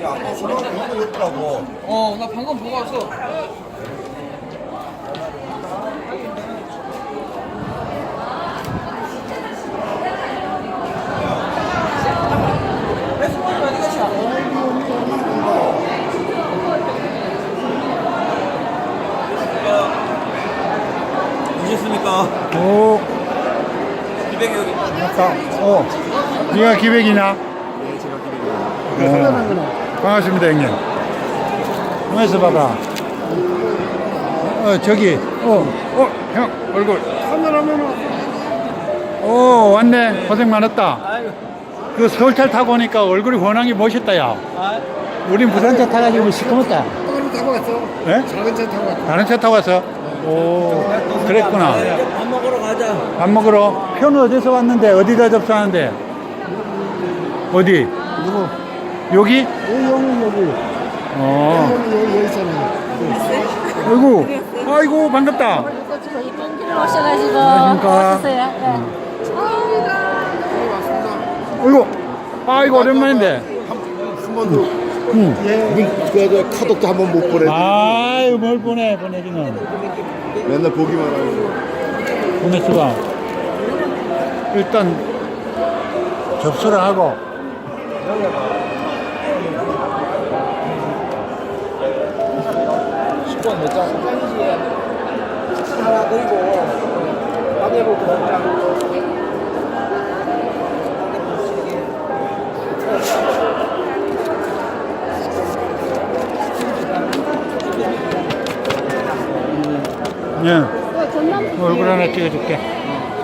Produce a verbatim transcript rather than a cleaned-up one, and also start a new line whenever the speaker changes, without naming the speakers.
아까 전화 번호 없더라고.
어, 나 방금 보고 왔어.
오셨습니까?
오,
기백이 여기.
맞다. 어, 네가 기백이냐?
네, 제가 기백이에요.
어, 반갑습니다, 형님. 가만있어 봐봐. 어, 저기, 어, 어, 형, 얼굴. 오, 왔네. 고생 많았다. 그 서울차 타고 오니까 얼굴이 워낙에 멋있다, 야. 우린 부산차 타가지고 시커멓다.
다른 타고 왔어.
예?
작은 차 타고 왔어.
다른 차 타고 왔어? 오, 그랬구나.
밥 먹으러 가자.
밥 먹으러? 표는 어디서 왔는데? 어디다 접수하는데? 어디?
누구?
여기?
여기 여기 여기.
어.
여기 여기 여기 있잖아.
아이고, 아이고, 반갑다.
이쁜 길을 오셔가지고
안녕하십니까.
왔었어요. 네.
아이고, 아이고, 오랜만인데.
한 번도
응.
그 카톡도 한 번 못 보내.
아유, 뭘 보내, 보내기는.
맨날 보기만 하고.
보냈어 봐. 일단, 접수를 하고.
십 번 몇 장? 하나 그리고 밥에고 두 장.
예. 얼굴 하나 찍어줄게.